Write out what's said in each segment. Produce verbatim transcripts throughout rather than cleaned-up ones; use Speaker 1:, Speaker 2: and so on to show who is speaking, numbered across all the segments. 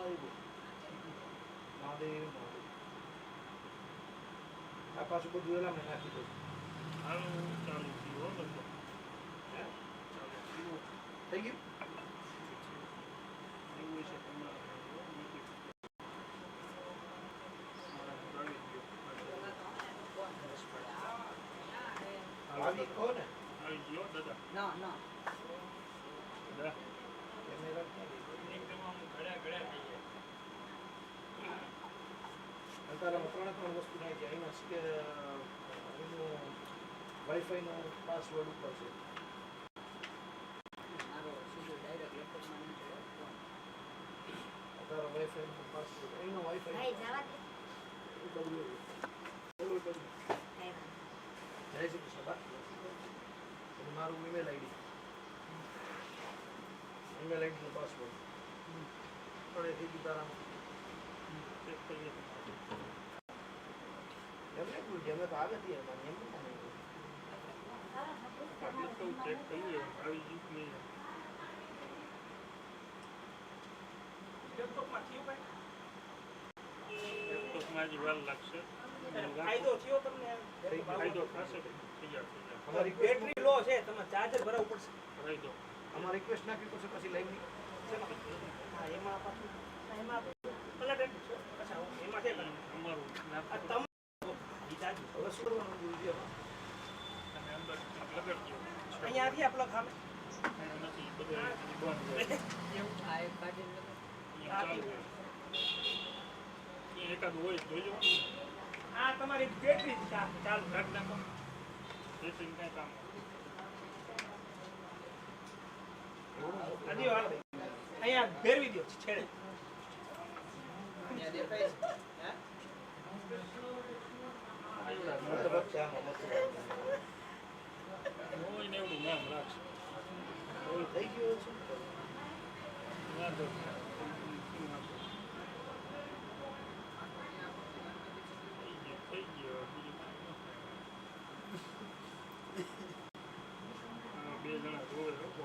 Speaker 1: મહાદેવ મહાદેવ આ પાછું બધું એલા મેં નાખી દઉં
Speaker 2: આનું ચાલુ થયું હો બધું
Speaker 1: હે
Speaker 2: ચાલુ થયું
Speaker 1: થઈ ગયું
Speaker 2: એવું છે તમારે
Speaker 1: આવી કહો ને
Speaker 2: આવી ગયો દાદા
Speaker 3: ના ના
Speaker 2: દાદા
Speaker 1: કેમેરા
Speaker 2: એકદમ આમ ઘડ્યા ઘડ્યા થઈ જાય
Speaker 1: અંતારામાં ત્રણે ત્રણ વસ્તુ નાખી છે એમાં કે એનું વાઈફાઈનો પાસવર્ડ ઉપર છે
Speaker 3: મારો સીધો ડાયરેક્ટ લેપટોપમાં નથી હોતો
Speaker 1: તારો વાઈફાઈનો પાસવર્ડ એનો વાઈફાઈ
Speaker 4: ભાઈ જવા દે
Speaker 1: એ બધું એવું બધું
Speaker 4: કઈ વાત
Speaker 1: જય શ્રી કૃષ્ણ બા અને મારું ઈમેલ આઈડી ઈમેલ આઈડીનો પાસવર્ડ પણ એ થઈ ગયું તારામાં
Speaker 2: ચેક કરીએ
Speaker 1: એમને ભૂલ છે અમે તો આવે હતી એમાં એમ પણ
Speaker 2: આપણે તો ચેક કરીએ આવી ગયું કે નહીં
Speaker 5: લેપટોપમાં થયું ભાઈ
Speaker 2: લેપટોપમાં હજી વાર લાગશે
Speaker 5: ફાયદો થયો તમને
Speaker 2: ફાયદો થશે તૈયાર થઈ જાય
Speaker 1: અમારી
Speaker 5: બેટરી લો છે તમારે ચાર્જર ભરાવવું પડશે
Speaker 2: ફાયદો
Speaker 1: અમારી રિક્વેસ્ટ નાખવી પડશે પછી લાઈવની
Speaker 5: હા એમાં પાછું એમાં પલટ એટલું છે અચ્છા એમાં છે
Speaker 2: અમારું
Speaker 5: આ
Speaker 2: લેપટોપ
Speaker 5: તમે ઈ ચાર્જ
Speaker 1: હવે શું કરવાનું ગુરુજી હવે
Speaker 2: તમે અંદર લગાડજો
Speaker 5: અહીંયા આવી આ પ્લગ સામે
Speaker 2: નથી બધું બંધ હોય
Speaker 3: આ એક કાઢીને લગાડ.
Speaker 2: અહીંયા ચાલુ હોય અહીંયા એકાદ હોય જોઈજો
Speaker 5: આ તમારી બેટરી ચાલુ
Speaker 2: કાઢ નાખો બેટરી કાંઈ કામ
Speaker 5: આદિ હાલ અહીંયા ફેરવી દો છેડે
Speaker 3: અહીંયા દેખાય છે હે
Speaker 1: મતલબ છે આમાં મતલબ
Speaker 2: હોય ને એવડું નામ રાખશે
Speaker 1: હવે થઈ ગયું છે
Speaker 2: વાંધો થઈ ગયો બે જણા જોવે લોકો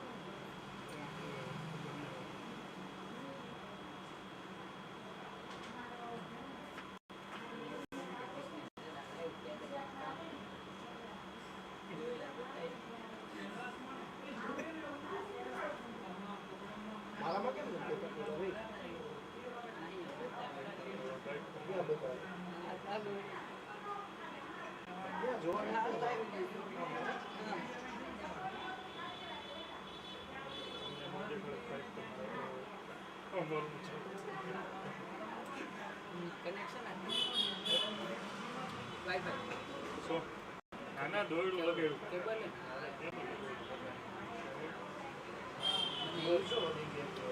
Speaker 1: મારામાં કેમ નથી દેખાતું ભાઈ ક્યાં બતાવે ક્યાં જોવા
Speaker 3: કનેક્શન વાઈફાઈ
Speaker 2: નાના દોયડું લગાડ્યું
Speaker 3: કેબલ ને
Speaker 1: જોઈશો વધી ગયા